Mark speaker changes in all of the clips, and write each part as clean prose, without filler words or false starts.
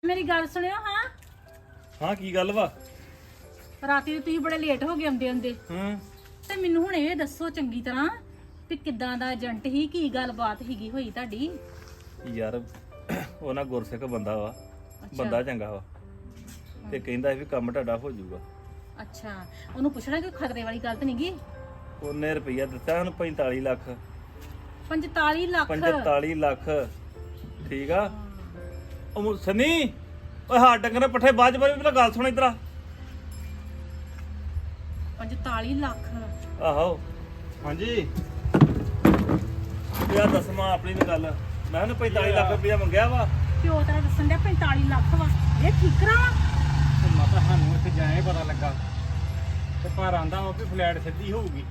Speaker 1: ਮੇਰੀ ਗੱਲ ਸੁਣਿਓ।
Speaker 2: ਹਾਂ ਕੀ ਗੱਲ ਵਾ?
Speaker 1: ਰਾਤੀ ਤੁਸੀਂ ਬੜੇ ਲੇਟ ਹੋ ਗਏ ਆਉਂਦੇ ਤੇ ਮੈਨੂੰ ਹੁਣ ਇਹ ਦੱਸੋ ਚੰਗੀ ਤਰ੍ਹਾਂ ਵੀ ਕਿੱਦਾਂ ਦਾ ਏਜੰਟ ਹੀ, ਕੀ ਗੱਲਬਾਤ ਹੀਗੀ ਹੋਈ ਤੁਹਾਡੀ?
Speaker 2: ਯਾਰ ਉਹ ਨਾ ਗੁਰਸਿੱਖ ਬੰਦਾ ਵਾ, ਬੰਦਾ ਚੰਗਾ ਵਾ ਤੇ ਕਹਿੰਦਾ ਵੀ ਕੰਮ ਤੁਹਾਡਾ ਹੋ ਜਾਊਗਾ।
Speaker 1: ਅੱਛਾ, ਉਹਨੂੰ ਪੁੱਛਣਾ ਕੋਈ ਖਤਰੇ ਵਾਲੀ ਗੱਲ ਤਾਂ ਨਹੀਂਗੀ?
Speaker 2: ਉਹਨੇ ਰੁਪਈਆ ਦਿੱਤਾ ਸਾਨੂੰ 45 ਲੱਖ।
Speaker 1: 45 ਲੱਖ?
Speaker 2: 45 ਲੱਖ ਠੀਕ ਆ। ਉਹ ਸਨੀ ਓਏ ਹਾਂ ਡੰਗਰ ਪੱਠੇ ਬਾਅਦ ਪਹਿਲਾਂ ਗੱਲ ਸੁਣ ਇਧਰ ਆ।
Speaker 1: 45 ਲੱਖ?
Speaker 2: ਆਹੋ
Speaker 3: ਹਾਂਜੀ
Speaker 2: ਯਾਰ ਦੱਸਮਾ ਆਪਣੀ ਨੂੰ ਗੱਲ। ਮੈਂ ਉਹਨੂੰ 45 ਲੱਖ ਰੁਪਈਆ ਮੰਗਿਆ ਵਾ।
Speaker 1: ਪਿਓ ਤੇਰਾ ਦੱਸਣ ਡਿਆ 45 ਲੱਖ ਵਾ। ਇਹ ਠੀਕਰਾ ਵਾ?
Speaker 3: ਤੇ ਮਾਤਾ ਸਾਨੂੰ ਇੱਥੇ ਜਾਏ ਪਤਾ ਲੱਗਾ ਤੇ ਪਰ ਆਂਦਾ ਉਹ ਵੀ ਫਲੈਟ ਸਿੱਧੀ ਹੋਊਗੀ।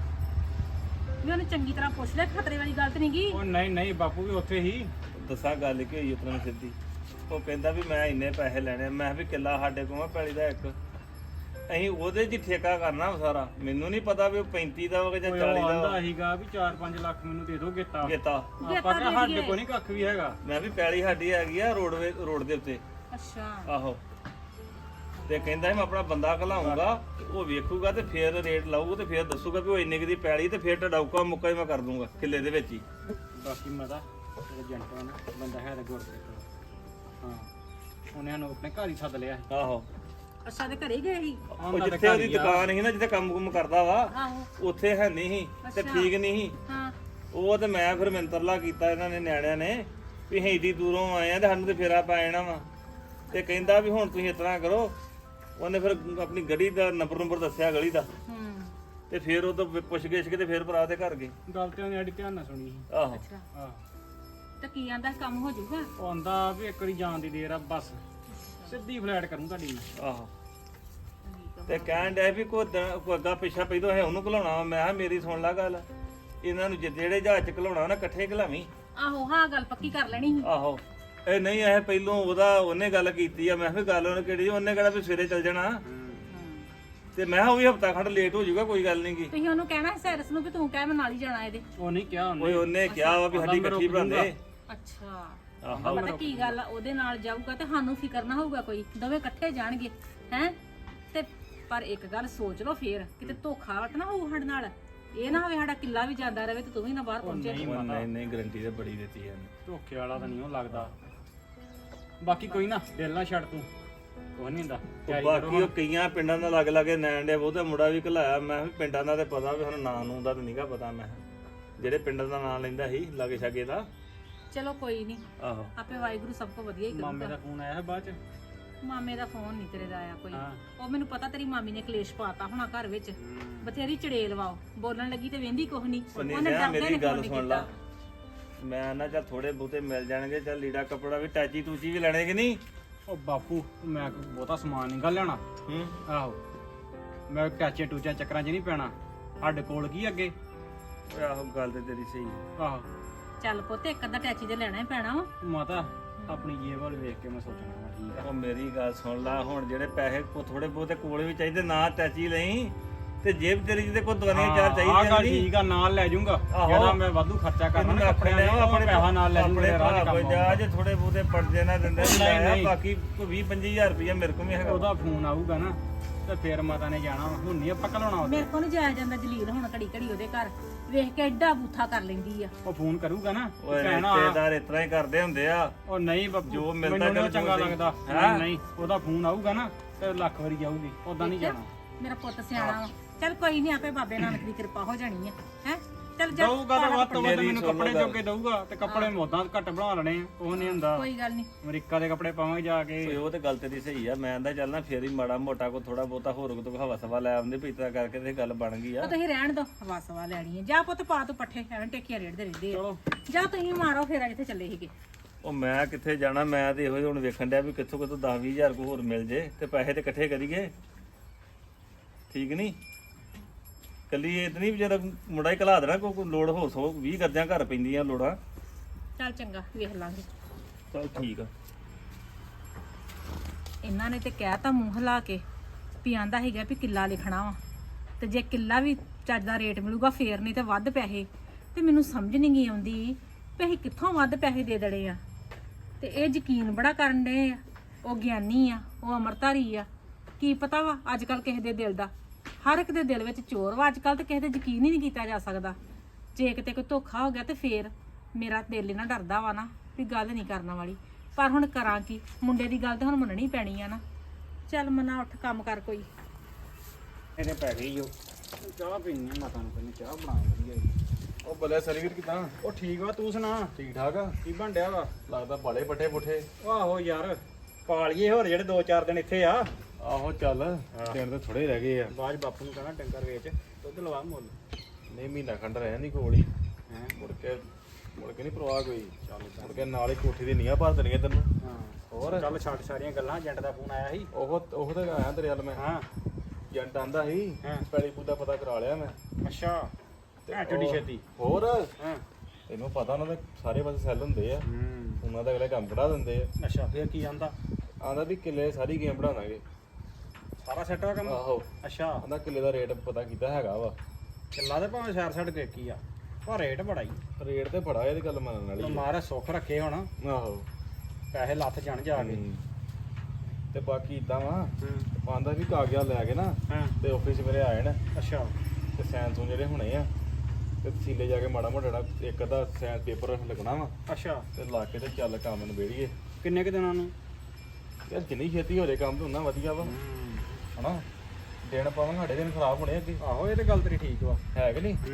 Speaker 1: ਵੀ ਉਹਨੂੰ ਚੰਗੀ ਤਰ੍ਹਾਂ ਪੁੱਛ ਲੈ, ਖਤਰੇ ਵਾਲੀ ਗੱਲ ਤਾਂ ਨਹੀਂਗੀ?
Speaker 3: ਉਹ ਨਹੀਂ ਬਾਪੂ ਵੀ ਉੱਥੇ ਹੀ।
Speaker 2: ਦੱਸਾਂ ਗੱਲ ਕੀ ਹੋਈ ਉਤਰਾਂ ਸਿੱਧੀ। ਉਹ ਕਹਿੰਦਾ ਵੀ ਮੈਂ ਇੰਨੇ ਪੈਸੇ ਲੈਣੇ। ਮੈਂ ਵੀ ਕਿੱਲਾ ਸਾਡੇ ਕੋਲ ਆ ਪੈਲੀ ਦਾ ਇੱਕ, ਅਸੀਂ ਉਹਦੇ 'ਚ ਠੇਕਾ ਕਰਨਾ ਸਾਰਾ। ਮੈਨੂੰ ਨਹੀਂ ਪਤਾ ਵੀ ਉਹ 35 ਦਾ ਹੋਵੇ ਜਾਂ 40 ਦਾ
Speaker 3: ਆਂਦਾ ਸੀਗਾ ਵੀ 4-5 ਲੱਖ ਮੈਨੂੰ ਦੇ ਦਿਓ ਗੇਤਾ।
Speaker 2: ਗੇਤਾ
Speaker 3: ਆਪਾਂ ਕਿਹਾ ਸਾਡੇ ਕੋਲ ਨਹੀਂ ਕੱਖ ਵੀ ਹੈਗਾ।
Speaker 2: ਮੈਂ ਵੀ ਪੈਲੀ ਸਾਡੀ ਹੈਗੀ ਆ ਰੋਡ ਦੇ ਉੱਤੇ।
Speaker 1: ਅੱਛਾ
Speaker 2: ਆਹੋ ਤੇ ਕਹਿੰਦਾ ਮੈਂ ਆਪਣਾ ਬੰਦਾ ਘਲਾਉਂਗਾ, ਉਹ ਵੇਖੂਗਾ ਤੇ ਫੇਰ ਰੇਟ ਲਾਊਗਾ ਤੇ ਫੇਰ ਦੱਸੂਗਾ ਵੀ ਉਹ ਇੰਨੇ ਕੁ ਦੀ ਪੈਲੀ ਤੇ ਫੇਰ ਟਡਾਊਕਾ ਮੁੱਕਾ ਹੀ ਮੈਂ ਕਰ ਦੂੰਗਾ ਕਿੱਲੇ ਦੇ ਵਿੱਚ ਹੀ।
Speaker 3: ਬਾਕੀ ਮਾਤਾ ਏਜੰਟ ਆ ਨਾ ਬੰਦਾ ਹੈ ਤਾਂ ਗੁਰਸਿੱਖ। ਹਾਂ ਉਹਨੇ ਨੂੰ ਆਪਣੇ ਘਰ ਹੀ ਸੱਦ ਲਿਆ।
Speaker 2: ਆਹੋ
Speaker 1: ਅੱਛਾ, ਤੇ ਘਰੇ ਗਏ ਸੀ?
Speaker 2: ਉਹ ਜਿੱਥੇ ਉਹਦੀ ਦੁਕਾਨ ਸੀ ਨਾ, ਜਿੱਥੇ ਕੰਮ ਕਰਦਾ ਵਾ,
Speaker 1: ਆਹੋ
Speaker 2: ਉੱਥੇ ਹੈ ਨਹੀਂ ਸੀ ਤੇ ਠੀਕ ਨਹੀਂ ਸੀ।
Speaker 1: ਹਾਂ
Speaker 2: ਉਹ ਤੇ ਮੈਂ ਫਿਰ ਮਿੰਤਰਲਾ ਕੀਤਾ ਇਹਨਾਂ ਨੇ ਨਿਆਣਿਆਂ ਨੇ ਵੀ ਅਸੀਂ ਏਡੀ ਦੂਰੋਂ ਆਏ ਆ ਤੇ ਸਾਨੂੰ ਤੇ ਫੇਰਾ ਪੈ ਜਾਣਾ ਵਾ। ਤੇ ਕਹਿੰਦਾ ਵੀ ਹੁਣ ਤੁਸੀਂ ਇਸ ਤਰ੍ਹਾਂ ਕਰੋ। ਉਹਨੇ ਫਿਰ ਆਪਣੀ ਗਲੀ ਦਾ ਨੰਬਰ ਦੱਸਿਆ ਗਲੀ ਦਾ ਤੇ ਫਿਰ ਉਹ ਤੋਂ ਪੁੱਛ ਗਿੱਛ ਕੇ ਤੇ ਫਿਰ ਭਰਾ ਦੇ ਘਰ ਗਏ।
Speaker 3: ਗੱਲ ਤੇ ਉਹਨੇ ਐਡੀ ਧਿਆਨ ਨਾਲ ਸੁਣੀ ਸੀ।
Speaker 2: ਆਹੋ
Speaker 1: ਅੱਛਾ,
Speaker 3: ਆਹ
Speaker 1: ਤੇ ਕੀ ਆਂਦਾ ਕੰਮ ਹੋ ਜਾਊਗਾ?
Speaker 3: ਉਹ ਆਂਦਾ ਵੀ ਇੱਕ ਵਾਰੀ ਜਾਣ ਦੀ ਦੇਰ ਆ, ਬਸ ਸਿੱਧੀ ਫਲੈਟ ਕਰੂੰ ਤੁਹਾਡੀ।
Speaker 2: ਆਹੋ ਤੇ ਕਹਿਣ ਡਿਆ ਵੀ ਕੋਈ ਅੱਗਾ ਪਿੱਛਾ ਪੈਦੋਂ ਹੈ ਉਹਨੂੰ ਘਲਾਉਣਾ। ਮੈਂ ਕਿਹਾ ਮੇਰੀ ਸੁਣ ਲੈ ਗੱਲ, ਇਹਨਾਂ ਨੂੰ ਜਿਹੜੇ ਜਹਾਜ਼ ਚ ਘਲਾਉਣਾ ਨਾ ਇਕੱਠੇ ਘਲਾਵੀਂ।
Speaker 1: ਆਹੋ ਹਾਂ, ਗੱਲ ਪੱਕੀ ਕਰ ਲੈਣੀ ਸੀ।
Speaker 2: ਆਹੋ ਇਹ ਨਹੀਂ ਇਹ ਪਹਿਲੋਂ ਉਹਨੇ ਗੱਲ ਕੀਤੀ ਆ। ਮੈਂ ਕਿਹਾ ਗੱਲ ਉਹਨੇ ਕਿਹੜੀ, ਉਹਨੇ ਕਿਹੜਾ ਵੀ ਸਵੇਰੇ ਚੱਲ ਜਾਣਾ ਤੇ ਮੈਂ ਕਿਹਾ ਉਹ ਵੀ ਹਫਤਾ ਖੰਡ ਲੇਟ ਹੋ ਜਾਊਗਾ, ਕੋਈ ਗੱਲ ਨਹੀਂ ਗੀ।
Speaker 1: ਤੁਸੀਂ ਉਹਨੂੰ ਕਹਿਣਾ ਸੀ ਸੈਰਸ ਨੂੰ ਵੀ ਤੂੰ ਕਹਿ ਮੈਂ ਨਾਲ ਹੀ ਜਾਣਾ ਇਹਦੇ।
Speaker 3: ਉਹ ਨਹੀਂ ਕਿਹਾ
Speaker 2: ਓਏ ਉਹਨੇ ਕਿਹਾ ਵਾ ਵੀ ਸਾਡੀ ਇਕੱਠੀ ਬਣਾਉਂਦੇ।
Speaker 1: ਅੱਛਾ,
Speaker 2: ਆਹੋ
Speaker 1: ਪਤਾ ਕੀ ਗੱਲ ਆ, ਉਹਦੇ ਨਾਲ ਜਾਊਗਾ ਤੇ ਸਾਨੂੰ ਫਿਕਰ ਨਾ ਹੋਊਗਾ ਕੋਈ, ਦੋਵੇਂ ਇਕੱਠੇ ਜਾਣਗੇ ਹੈ। ਤੇ ਪਰ ਇੱਕ ਗੱਲ ਸੋਚ ਲਓ ਫੇਰ, ਕਿਤੇ ਧੋਖਾ ਵਟ ਨਾ ਹੋਊ ਸਾਡੇ ਨਾਲ। ਇਹ ਨਾ ਹੋਵੇ ਸਾਡਾ ਕਿੱਲਾ ਵੀ ਜਾਂਦਾ ਰਹੇ ਤੇ ਤੂੰ ਵੀ ਨਾ ਬਾਹਰ ਪਹੁੰਚੇ।
Speaker 2: ਨਹੀਂ ਗਰੰਟੀ ਤੇ ਬੜੀ ਦਿੱਤੀ ਹੈ।
Speaker 3: ਧੋਖੇ ਵਾਲਾ ਤਾਂ ਨਹੀਂ ਉਹ ਲੱਗਦਾ। ਬਾਕੀ ਕੋਈ ਨਾ, ਦਿਲ ਨਾ ਛੱਡ ਤੂੰ, ਕੁਝ ਨਹੀਂ ਹੁੰਦਾ।
Speaker 2: ਬਾਕੀ ਉਹ ਕਈਆਂ ਪਿੰਡਾਂ ਦਾ ਲੱਗ ਲਾਗੇ ਨੈਣ ਦੇ ਉਹਦਾ ਮੁੰਡਾ ਵੀ ਘਲਾਇਆ। ਮੈਂ ਵੀ ਪਿੰਡਾਂ ਦਾ ਤੇ ਪਤਾ ਵੀ ਹੁਣ ਨਾਂ ਨੂੰ ਦਾ ਤਾਂ ਨਹੀਂਗਾ ਪਤਾ। ਮੈਂ ਜਿਹੜੇ ਪਿੰਡਾਂ ਦਾ ਨਾਂ ਲੈਂਦਾ ਸੀ ਲਾਗੇ ਛਾਗੇ ਦਾ।
Speaker 1: ਚਲੋ ਕੋਈ ਨਹੀਂ,
Speaker 2: ਆਹੋ
Speaker 1: ਆਪੇ ਵਾਹਿਗੁਰੂ ਸਭ ਕੋ ਵਧੀਆ ਹੀ
Speaker 3: ਮਾਮੇ
Speaker 1: ਕਰੂਗਾ।
Speaker 3: ਦਾ ਫੋਨ ਆਇਆ ਹੈ ਬਾਅਦ ਚ?
Speaker 1: ਮਾਮੇ ਦਾ ਫੋਨ ਨਹੀਂ ਤੇਰੇ ਦਾ ਆਇਆ ਕੋਈ।
Speaker 3: ਹਾਂ।
Speaker 1: ਉਹ ਮੈਨੂੰ ਪਤਾ ਤੇਰੀ ਮਾਮੀ ਨੇ ਕਲੇਸ਼ ਪਾਤਾ ਹੋਣਾ ਘਰ ਵਿੱਚ, ਬਥੇਰੀ ਚੜੇਲ ਵਾਓ। ਬੋਲਣ ਲੱਗੀ ਤੇ ਵੇਂਦੀ ਕੁਛ ਨਹੀਂ। ਉਹਨੇ ਡਰਦੇ
Speaker 2: ਮੇਰੀ
Speaker 1: ਨੇ
Speaker 2: ਗੱਲ
Speaker 1: ਫੋਨ
Speaker 2: ਸੁਣ ਲਾ। ਮੈਂ ਨਾ ਚੱਲ ਥੋੜੇ ਬਹੁਤੇ ਮਿਲ ਜਾਣਗੇ, ਚੱਲ ਲੀੜਾ ਕੱਪੜਾ ਵੀ ਟੈਚੀ ਟੂਚੀ ਵੀ ਲੈਣੇ ਕਿ ਨਹੀਂ?
Speaker 3: ਉਹ ਬਾਪੂ ਮੈਂ ਬਹੁਤਾ ਸਮਾਨ ਨਹੀਂ ਗੱਲ ਲੈਣਾ। ਆਹੋ ਮੈਂ ਟਾਚੇ ਟੂਚਾ ਚੱਕਰਾਂ 'ਚ ਨਹੀਂ ਪੈਣਾ। ਸਾਡੇ ਕੋਲ ਕੀ ਅੱਗੇ।
Speaker 2: ਆਹੋ ਗੱਲ ਤੇ ਤੇਰੀ ਸਹੀ ਹੈ।
Speaker 3: ਆਹੋ
Speaker 1: ਚੱਲ ਪੁੱਤ, ਇੱਕ ਅੱਧਾ ਟੈਚੀ ਤੇ ਲੈਣਾ ਹੀ ਪੈਣਾ ਵਾ।
Speaker 3: ਮਾਤਾ ਆਪਣੀ ਜੇਬ ਵੱਲ ਵੇਖ ਕੇ ਮੈਂ ਸੋਚਣਾ ਵਾ, ਠੀਕ ਆ।
Speaker 2: ਉਹ ਮੇਰੀ ਗੱਲ ਸੁਣ ਲਾ, ਹੁਣ ਜਿਹੜੇ ਪੈਸੇ ਥੋੜੇ ਬਹੁਤੇ ਕੋਲ ਵੀ ਚਾਹੀਦੇ, ਨਾ ਟੈਚੀ ਲਈ ਤੇ ਜੇਬ ਤੇਰੀ ਜਿਹਦੇ ਕੋਲ ਦਵਾਈਆਂ ਚਾਰ ਚਾਹੀਦੀਆਂ
Speaker 3: ਨਹੀਂ। ਠੀਕ ਆ, ਨਾਲ ਲੈ ਜਾਊਂਗਾ। ਜਿਹੜਾ ਮੈਂ ਵਾਧੂ ਖਰਚਾ ਕਰਨਾ ਨਾ
Speaker 2: ਆਪਣੇ
Speaker 3: ਆਪਣੇ ਪੈਸਾ ਨਾਲ ਲੈ
Speaker 2: ਆਪਣੇ
Speaker 3: ਜਾਊਂਗਾ। ਰਾਹ 'ਚ
Speaker 2: ਕੋਈ
Speaker 3: ਕੰਮ
Speaker 2: ਜਾ ਜੇ ਥੋੜੇ ਬਹੁਤੇ ਪੜਦੇ ਨਾ ਦਿੰਦੇ
Speaker 3: ਨਹੀਂ।
Speaker 2: ਬਾਕੀ 20-25000 ਰੁਪਇਆ ਮੇਰੇ ਕੋਲ ਵੀ ਹੈਗਾ।
Speaker 3: ਉਹਦਾ ਫੋਨ ਆਊਗਾ ਨਾ ਤੇ ਫੇਰ ਮਾਤਾ ਨੇ ਜਾਣਾ ਵਾ। ਹੁਣ ਨਹੀਂ ਆਪਾਂ ਘਲਾਉਣਾ ਉਹਦੇ।
Speaker 1: ਮੇਰੇ ਕੋਲ ਨਹੀਂ ਜਾਇਆ ਜਾਂਦਾ ਜਲੀਲ ਹੁਣ ਘੜੀ ਘੜੀ ਉਹਦੇ ਘਰ ਵੇਖ ਕੇ ਐਡਾ ਬੂਥਾ ਕਰ ਲੈਂਦੀ ਆ।
Speaker 3: ਉਹ ਫੋਨ ਕਰੂਗਾ ਨਾ
Speaker 2: ਓਏ
Speaker 3: ਕਹਿਣਾ
Speaker 2: ਰਿਸ਼ਤੇਦਾਰ ਇਸ ਤਰ੍ਹਾਂ ਹੀ ਕਰਦੇ ਹੁੰਦੇ ਆ।
Speaker 3: ਉਹ ਨਹੀਂ ਬੱਬੂ,
Speaker 2: ਜੋ ਮਿਲਦਾ
Speaker 3: ਮੈਨੂੰ ਨੀ ਚੰਗਾ
Speaker 2: ਚੱਲ
Speaker 3: ਲੱਗਦਾ।
Speaker 2: ਹੈਂ?
Speaker 3: ਨਹੀਂ ਉਹਦਾ ਫੋਨ ਆਊਗਾ ਨਾ ਤੇ ਲੱਖ ਵਾਰੀ ਜਾਊਗੀ, ਉਦਾਂ ਨਹੀਂ ਜਾਣਾ।
Speaker 1: ਮੇਰਾ ਪੁੱਤ ਸਿਆਣਾ ਵਾ। ਚੱਲ ਕੋਈ ਨਹੀਂ, ਆਪੇ ਬਾਬੇ ਨਾਨਕ ਦੀ ਕਿਰਪਾ ਹੋ ਜਾਣੀ ਆ। ਹੈ ਚੱਲ ਜਾ,
Speaker 3: ਦਊਗਾ ਤਾਂ ਵੱਧ ਤੋਂ ਵੱਧ
Speaker 2: ਮੇਰੀ
Speaker 3: ਮੈਨੂੰ
Speaker 2: ਸੁਣ ਲਓ
Speaker 3: ਕੱਪੜੇ
Speaker 2: ਗੱਲ।
Speaker 3: ਜੋਗੇ ਦਊਗਾ ਤੇ ਕੱਪੜੇ ਮੋਦਾਂ ਘੱਟ ਬਣਾ ਲੈਣੇ ਆ। ਉਹ ਨਹੀਂ ਹੁੰਦਾ।
Speaker 1: ਕੋਈ ਗੱਲ ਨਹੀਂ।
Speaker 3: ਅਮਰੀਕਾ ਦੇ ਕੱਪੜੇ ਪਾਵਾਂਗੇ ਜਾ ਕੇ।
Speaker 2: ਓਏ ਉਹ ਤੇ ਗੱਲ ਤੇਰੀ ਸਹੀ ਆ। ਮੈਂ ਆਂਦਾ ਚੱਲ ਨਾ ਫੇਰ ਹੀ ਮਾੜਾ ਮੋਟਾ ਕੋ ਥੋੜਾ ਬਹੁਤਾ ਹੋਰ ਕੋ ਹਵਾ ਸਵਾ ਲੈ ਆਉਂਦੇ ਵੀ ਇਤਰਾ ਕਰਕੇ ਤੇ ਗੱਲ ਬਣ ਗਈ ਆ।
Speaker 1: ਉਹ ਤੁਸੀਂ ਰਹਿਣ ਦੋ, ਹਵਾ ਸਵਾ ਲੈਣੀ ਹੈ। ਜਾ ਪੁੱਤ ਪਾ ਤੂੰ ਪੱਠੇ, ਐਵੇਂ ਟੇਕੀਆਂ ਰੇੜਦੇ ਰਹਿੰਦੇ ਆ।
Speaker 3: ਚਲੋ
Speaker 1: ਜਾ ਤੁਸੀਂ ਮਾਰੋ ਫੇਰਾ, ਜਿੱਥੇ ਚੱਲੇ ਸੀਗੇ।
Speaker 2: ਉਹ ਮੈਂ ਕਿੱਥੇ ਜਾਣਾ, ਮੈਂ ਤੇ ਇਹੋ ਹੀ ਹੁਣ ਵੇਖਣ ਡਿਆ ਵੀ ਕਿੱਥੋਂ 10-20 ਹਜ਼ਾਰ ਕੋ ਹੋਰ ਮਿਲ ਜੇ ਤੇ ਪੈਸੇ ਤੇ ਇਕੱਠੇ ਕਰੀਏ, ਠੀਕ ਨਹੀਂ? ਕੱਲੀ ਇਤਨੀ ਵੀ ਜਿਹੜਾ ਮੁੰਡਾ ਹੀ ਘਲਾ ਦੇਣਾ, ਕੋਈ ਲੋੜ ਹੋ 120 ਕਰਦਿਆਂ ਘਰ ਪੈਂਦੀਆਂ ਲੋੜਾਂ।
Speaker 1: ਚੱਲ ਚੰਗਾ, ਵੇਖ ਲਾਂਗੇ।
Speaker 2: ਚਲ ਠੀਕ ਆ।
Speaker 1: ਇਹਨਾਂ ਨੇ ਤੇ ਕਹਿਤਾ ਮੂੰਹ ਹਿਲਾ ਕੇ ਵੀ ਆਂਦਾ ਹੈਗਾ ਵੀ ਕਿੱਲਾ ਲਿਖਣਾ ਵਾ, ਤੇ ਜੇ ਕਿੱਲਾ ਵੀ ਚੱਜ ਦਾ ਰੇਟ ਮਿਲੂਗਾ ਫੇਰ, ਨਹੀਂ ਤੇ ਵੱਧ ਪੈਸੇ। ਤੇ ਮੈਨੂੰ ਸਮਝ ਨਹੀਂ ਗਈ ਆਉਂਦੀ ਵੀ ਅਸੀਂ ਕਿੱਥੋਂ ਵੱਧ ਪੈਸੇ ਦੇ ਦੜੇ ਆ। ਤੇ ਇਹ ਯਕੀਨ ਬੜਾ ਕਰਨ ਡਏ ਆ ਉਹ ਗਿਆਨੀ ਆ, ਉਹ ਅਮਰਧਾਰੀ ਆ। ਕੀ ਪਤਾ ਵਾ ਅੱਜ ਕੱਲ ਕਿਸੇ ਦੇ ਦਿਲ ਦਾ, ਹਰ ਇੱਕ ਦੇ ਦਿਲ ਵਿੱਚ ਚੋਰ ਵਾ ਅੱਜ ਕੱਲ, ਤੇ ਕਿਸੇ ਤੇ ਯਕੀਨ ਹੀ ਨਹੀਂ ਕੀਤਾ ਜਾ ਸਕਦਾ। ਜੇ ਕਿਤੇ ਕੋਈ ਧੋਖਾ ਹੋ ਗਿਆ ਤੇ ਫੇਰ ਮੇਰਾ ਦਿਲ ਇਹਨਾਂ ਡਰਦਾ ਵਾ ਨਾ ਵੀ ਗੱਲ ਨਹੀਂ ਕਰਨ ਵਾਲੀ। ਪਰ ਹੁਣ ਕਰਾਂ ਕੀ, ਮੁੰਡੇ ਦੀ ਗੱਲ ਤੇ ਹੁਣ ਮੰਨਣੀ ਪੈਣੀ ਆ ਨਾ। ਚੱਲ ਮਨਾ ਉੱਠ ਕੰਮ ਕਰ ਕੋਈ।
Speaker 3: ਇਹਨੇ ਪੈ ਗਈ ਉਹ ਚਾਹ ਪੀਣੀ ਆ, ਮਾਤਾ ਨੂੰ ਕਹਿੰਦੀ ਚਾਹ ਬਣਾ ਵਧੀਆ ਜੀ।
Speaker 4: ਉਹ ਬੱਲੇ ਸਰਵੀਰ ਕਿਦਾਂ?
Speaker 3: ਉਹ ਠੀਕ ਵਾ, ਤੂੰ ਸੁਣਾ
Speaker 4: ਠੀਕ ਠਾਕ ਆ?
Speaker 3: ਕੀ ਬਣ ਡਿਆ ਵਾ?
Speaker 4: ਲੱਗਦਾ ਬਾਲੇ ਪੱਠੇ ਪੁੱਠੇ।
Speaker 3: ਆਹੋ ਯਾਰ ਪਾਲੀਏ ਹੋਰ ਜਿਹੜੇ 2-4 ਦਿਨ ਇੱਥੇ ਆ।
Speaker 4: ਆਹੋ ਚੱਲ ਦਿਨ ਤੇ ਥੋੜੇ ਰਹਿ ਗਏ ਆ।
Speaker 3: ਬਾਅਦ ਬਾਪੂ ਨੂੰ ਕਹਣਾ ਡੰਗਰ ਵੇਚ ਦੁੱਧ ਲਵਾ ਮੁੱਲ।
Speaker 4: ਨਹੀਂ ਮਹੀਨਾ ਖੰਡ ਰਹਿ ਜਾਂਦੀ ਕੋਲ ਹੀ,
Speaker 3: ਹੈਂ?
Speaker 4: ਮੁੜ ਕੇ ਨਹੀਂ ਪਰਵਾਹ ਕੋਈ। ਮੁੜ ਕੇ ਨਾਲ ਹੀ ਕੋਠੀ ਦੀ ਨੀਹਾਂ ਭਰ ਦੇਣੀਆਂ ਤੈਨੂੰ।
Speaker 3: ਹਾਂ
Speaker 4: ਹੋਰ
Speaker 3: ਚੱਲ ਛੱਡ ਸਾਰੀਆਂ ਗੱਲਾਂ। ਏਜੰਟ ਦਾ ਫੋਨ ਆਇਆ ਸੀ।
Speaker 4: ਉਹ ਤਾਂ ਆਇਆ ਤੇਰੇ ਵੱਲ ਮੈਂ।
Speaker 3: ਹਾਂ
Speaker 4: ਏਜੰਟ ਆਂਦਾ ਸੀ
Speaker 3: ਹਾਂ।
Speaker 4: ਪੈਲੀ ਪੂਦਾ ਪਤਾ ਕਰਾ ਲਿਆ ਮੈਂ।
Speaker 3: ਅੱਛਾ ਢੱਡੀ ਛੇਤੀ।
Speaker 4: ਹੋਰ
Speaker 3: ਹਾਂ
Speaker 4: ਤੈਨੂੰ ਪਤਾ ਉਹਨਾਂ ਦੇ ਸਾਰੇ ਪਾਸੇ ਸੈੱਲ ਹੁੰਦੇ ਆ, ਉਹਨਾਂ ਦਾ ਅਗਲੇ ਕੰਮ ਕਢਾ ਦਿੰਦੇ ਆ।
Speaker 3: ਅੱਛਾ ਫੇਰ ਕੀ ਆਂਦਾ?
Speaker 4: ਆਂਦਾ ਵੀ ਕਿੱਲੇ ਸਾਰੀ ਗੇਮ ਬਣਾ ਦਾਂਗੇ।
Speaker 3: ਸਾਰਾ ਸੈੱਟ ਆ ਕੰਮ?
Speaker 4: ਆਹੋ
Speaker 3: ਅੱਛਾ
Speaker 4: ਆਂਦਾ ਕਿੱਲੇ ਦਾ ਰੇਟ ਪਤਾ ਕੀਤਾ ਹੈਗਾ ਵਾ।
Speaker 3: ਕਿੱਲਾ ਤੇ ਭਾਵੇਂ ਸ਼ਹਿਰ ਛੱਡ ਕੇ ਕੀ ਆ, ਪਰ ਰੇਟ ਬੜਾ ਹੀ।
Speaker 4: ਰੇਟ ਤੇ ਬੜਾ ਇਹਦੀ ਗੱਲ ਮੰਨਣ ਵਾਲੀ ਆ।
Speaker 3: ਮਾਰਾ ਸੁੱਖ ਰੱਖੇ ਹੁਣ,
Speaker 4: ਆਹੋ
Speaker 3: ਪੈਸੇ ਲੱਥ ਜਾਣ ਜਾ ਕੇ।
Speaker 4: ਤੇ ਬਾਕੀ ਇਦਾਂ ਵਾ ਆਂਦਾ ਵੀ ਕਾਗਜ਼ਾਤ ਲੈ ਕੇ ਨਾ
Speaker 3: ਹਾਂ
Speaker 4: ਤੇ ਆਫਿਸ ਮੇਰੇ ਆਏ ਨੇ
Speaker 3: ਅੱਛਾ
Speaker 4: ਤੇ ਸਾਈਨ ਤੋਂ ਜਿਹੜੇ ਹੋਣੇ ਆ ਤੇ ਤਸੀਲੇ ਜਾ ਕੇ ਮਾੜਾ ਮੋਟਾ ਜਿਹੜਾ ਇੱਕ ਅੱਧਾ ਸਾਈਨ ਪੇਪਰ ਲੱਗਣਾ ਵਾ
Speaker 3: ਅੱਛਾ
Speaker 4: ਤੇ ਲਾ ਕੇ ਤੇ ਚੱਲ ਕੰਮ ਨਿਬੇੜੀਏ।
Speaker 3: ਕਿੰਨੇ ਕੁ ਦਿਨਾਂ ਨੂੰ?
Speaker 4: ਯਾਰ ਜਿੰਨੀ ਛੇਤੀ ਹੋ ਜਾਏ ਕੰਮ ਤੇ ਉਨਾ ਵਧੀਆ ਵਾ ਹਨਾ। ਦਿਨ ਪਾਵਾਂ ਸਾਡੇ ਦਿਨ ਖਰਾਬ ਹੋਣੇ ਅੱਗੇ।
Speaker 3: ਆਹੋ ਇਹ ਤੇ ਗੱਲ ਤੇਰੀ ਠੀਕ ਵਾ।
Speaker 4: ਹੈ ਕਿ ਨਹੀਂ?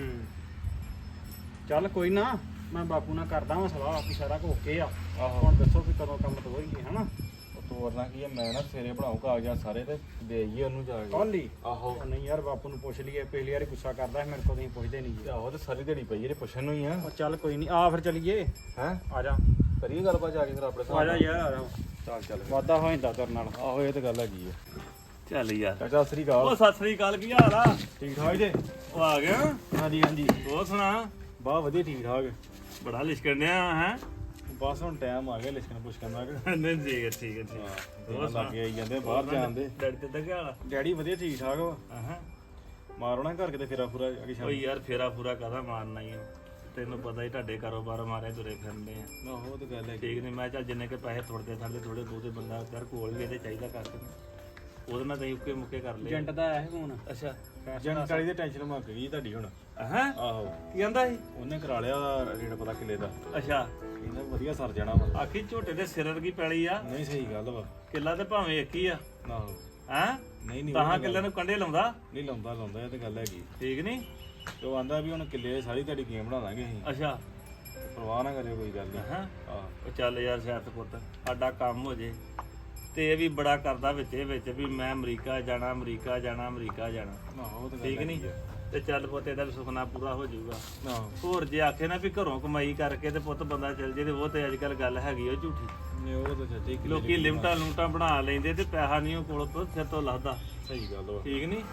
Speaker 3: ਚੱਲ ਕੋਈ ਨਾ, ਮੈਂ ਬਾਪੂ ਨਾਲ ਕਰਦਾ ਵਾਂ ਸਲਾਹ ਆਪੀ ਸਾਰਾ ਕੁ ਓਕੇ ਆ।
Speaker 4: ਆਹੋ
Speaker 3: ਹੁਣ ਦੱਸੋ ਕਿ ਕਦੋਂ ਕੰਮ ਤੋਰੀਏ ਹਨਾ।
Speaker 4: ਉਹ ਤੋਰਨਾ ਕੀ ਆ, ਮੈਂ ਨਾ ਸਵੇਰੇ ਬਣਾਉ ਕਾਗਜ਼ਾਤ ਸਾਰੇ ਤੇ ਦੇ ਆਈਏ ਉਹਨੂੰ ਜਾ ਕੇ।
Speaker 3: ਕੱਲ ਹੀ?
Speaker 4: ਆਹੋ
Speaker 3: ਉਹ ਨਹੀਂ ਯਾਰ ਬਾਪੂ ਨੂੰ ਪੁੱਛ ਲਈਏ, ਪਿਛਲੀ ਵਾਰੀ ਗੁੱਸਾ ਕਰਦਾ ਸੀ ਮੇਰੇ ਕੋਲ, ਤੁਸੀਂ ਪੁੱਛਦੇ ਨਹੀਂ ਜੀ।
Speaker 4: ਤੇ ਆਹੋ ਤੇ ਸਾਰੀ ਦਿਹਾੜੀ ਪਈ ਇਹਦੇ ਪੁੱਛਣ ਨੂੰ ਹੀ ਆ।
Speaker 3: ਉਹ ਚੱਲ ਕੋਈ ਨਹੀਂ, ਆ ਫਿਰ ਚੱਲੀਏ।
Speaker 4: ਹੈ
Speaker 3: ਆ ਜਾ
Speaker 4: ਕਰੀਏ ਗੱਲਬਾਤ ਜਾ ਕੇ ਫਿਰ ਆਪਣੇ
Speaker 3: ਆ ਜਾ ਯਾਰ ਆ ਜਾ।
Speaker 4: ਚੱਲ ਚੱਲ ਫਿਰ।
Speaker 3: ਵਾਦਾ ਹੋ ਜਾਂਦਾ ਤੇਰੇ ਨਾਲ।
Speaker 4: ਆਹੋ ਇਹ ਤੇ ਗੱਲ ਹੈਗੀ ਆ।
Speaker 2: ਚੱਲ ਯਾਰ।
Speaker 4: ਚਾਚਾ ਸਤਿ ਸ੍ਰੀ ਅਕਾਲ।
Speaker 2: ਉਹ ਸਤਿ ਸ੍ਰੀ ਅਕਾਲ, ਕੀ ਹਾਲ ਆ?
Speaker 4: ਠੀਕ ਠਾਕ ਜੇ?
Speaker 2: ਉਹ ਆ ਗਿਆ?
Speaker 4: ਹਾਂਜੀ ਹਾਂਜੀ
Speaker 2: ਹੋਰ ਸੁਣਾ?
Speaker 4: ਬਹੁਤ ਵਧੀਆ ਠੀਕ ਠਾਕ।
Speaker 2: ਬੜਾ ਲਿਸ਼ਕਣਿਆ ਹੈ।
Speaker 4: ਬਸ ਹੁਣ ਟਾਈਮ ਆ ਗਿਆ ਲਿਖਣ ਪੁੱਛਣ ਦਾ।
Speaker 2: ਨਹੀਂ ਠੀਕ ਹੈ ਠੀਕ ਹੈ ਠੀਕ ਹੈ।
Speaker 4: ਹੋਰ ਲੱਗੇ ਆਈ ਜਾਂਦੇ ਬਾਹਰ ਜਾਣ ਦੇ।
Speaker 2: ਡੈਡੀ ਤੇ ਤਾਂ ਕੀ ਹਾਲ ਆ?
Speaker 4: ਡੈਡੀ ਵਧੀਆ ਠੀਕ ਠਾਕ ਵਾ।
Speaker 2: ਹਾਂ
Speaker 4: ਮਾਰੋ ਨਾ ਘਰ ਕਿਤੇ ਫੇਰਾ ਫੂਰਾ ਅੱਗੇ ਸ਼ਾਮ।
Speaker 2: ਓਏ ਯਾਰ ਫੇਰਾ ਪੂਰਾ ਕਾਹਦਾ ਮਾਰਨਾ ਹੀ ਆ, ਤੈਨੂੰ ਪਤਾ ਹੀ ਤੁਹਾਡੇ ਕਾਰੋਬਾਰ ਮਾਰੇ ਤੁਰੇ ਫਿਰਦੇ ਆ।
Speaker 4: ਆਹੋ ਉਹ ਤਾਂ ਗੱਲ ਹੈ।
Speaker 2: ਠੀਕ ਨਹੀਂ, ਮੈਂ ਚੱਲ ਜਿੰਨੇ ਕੇ ਪੈਸੇ ਥੋੜਦੇ ਥਾਲੇ ਥੋੜੇ ਬਹੁਤੇ ਬੰਦਾ ਯਾਰ ਕੋਲ ਵੀ ਇਹਦੇ ਚਾਹੀਦਾ ਕਰਕੇ ਉਹਦੇ ਨਾਲ ਤਾਂ ਉੱਕੇ ਮੁੱਕੇ ਕਰ ਲਏ।
Speaker 3: ਏਜੰਟ ਦਾ ਆਇਆ ਸੀ ਫੋਨ।
Speaker 2: ਅੱਛਾ
Speaker 4: ਏਜੰਟ ਵਾਲੀ ਦੀ ਟੈਨਸ਼ਨ ਮੁੱਕ ਗਈ ਤੁਹਾਡੀ ਹੁਣ।
Speaker 2: ਹਾਂ
Speaker 4: ਆਹੋ
Speaker 2: ਕੀ ਕਹਿੰਦਾ ਸੀ?
Speaker 4: ਉਹਨੇ ਕਰਾ ਲਿਆ ਰੇਟ ਪਤਾ ਕਿੱਲੇ ਦਾ।
Speaker 2: ਅੱਛਾ
Speaker 4: ਕਹਿੰਦਾ ਵਧੀਆ ਸਰ ਜਾਣਾ ਵਾ।
Speaker 2: ਆਖੀ ਝੋਟੇ ਦੇ ਸਿਰ ਵਰਗੀ ਪੈਲੀ ਆ,
Speaker 4: ਨਹੀਂ ਸਹੀ ਗੱਲ ਵਾ।
Speaker 2: ਕਿੱਲਾ ਤੇ ਭਾਵੇਂ ਇੱਕ ਹੀ ਆ।
Speaker 4: ਆਹੋ
Speaker 2: ਹਾਂ
Speaker 4: ਨਹੀਂ ਨਹੀਂ
Speaker 2: ਤਾਂ ਕਿੱਲੇ ਨੂੰ ਕੰਡੇ ਲਾਉਂਦਾ।
Speaker 4: ਨਹੀਂ ਲਾਉਂਦਾ ਇਹ ਤਾਂ ਗੱਲ ਹੈਗੀ।
Speaker 2: ਠੀਕ ਨਹੀਂ?
Speaker 4: ਤੇ ਉਹ ਆਂਦਾ ਵੀ ਹੁਣ ਕਿੱਲੇ ਸਾਰੀ ਤੁਹਾਡੀ ਗੇਮ ਬਣਾ ਦਾਂਗੇ ਅਸੀਂ।
Speaker 2: ਅੱਛਾ
Speaker 4: ਪਰਵਾਹ ਨਾ ਕਰਿਓ ਕੋਈ ਗੱਲ ਨਹੀਂ।
Speaker 2: ਹਾਂ
Speaker 4: ਆਹ
Speaker 2: ਉਹ ਚੱਲ ਯਾਰ ਸਿਆਤ ਪੁੱਤ ਸਾਡਾ ਕੰਮ ਹੋ ਜੇ। ਤੇ ਇਹ ਵੀ ਬੜਾ ਕਰਦਾ ਵਿੱਚ ਵੀ ਮੈਂ ਅਮਰੀਕਾ ਜਾਣਾ ਅਮਰੀਕਾ ਜਾਣਾ ਅਮਰੀਕਾ ਜਾਣਾ।
Speaker 4: ਆਹੋ ਉਹ ਤਾਂ ਗੱਲ
Speaker 2: ਠੀਕ ਨਹੀਂ?
Speaker 4: ਹੈਗੀ ਆ।
Speaker 2: ਤੇ ਚੱਲ ਪੁੱਤ ਇਹਦਾ ਵੀ ਸੁਪਨਾ ਪੂਰਾ ਹੋ ਜਾਊਗਾ।
Speaker 4: ਆਹੋ
Speaker 2: ਹੋਰ ਜੇ ਆਖੇ ਨਾ ਵੀ ਘਰੋਂ ਕਮਾਈ ਕਰਕੇ ਤੇ ਪੁੱਤ ਬੰਦਾ ਚੱਲ ਜੇ ਤੇ ਉਹ ਤੇ ਅੱਜ ਕੱਲ ਗੱਲ ਹੈਗੀ ਉਹ ਝੂਠੀ।
Speaker 4: ਨਹੀਂ ਉਹ ਤਾਂ ਚਾਚਾ ਹੀ
Speaker 2: ਲੋਕੀ ਲਿਮਟਾਂ ਲੂਟਾਂ ਬਣਾ ਲੈਂਦੇ ਤੇ ਪੈਸਾ ਨਹੀਂ ਉਹ ਕੋਲ ਤੋਂ ਸਿਰ ਤੋਂ ਲੱਥਦਾ।
Speaker 4: ਸਹੀ ਗੱਲ ਵਾ।
Speaker 2: ਠੀਕ ਨਹੀਂ?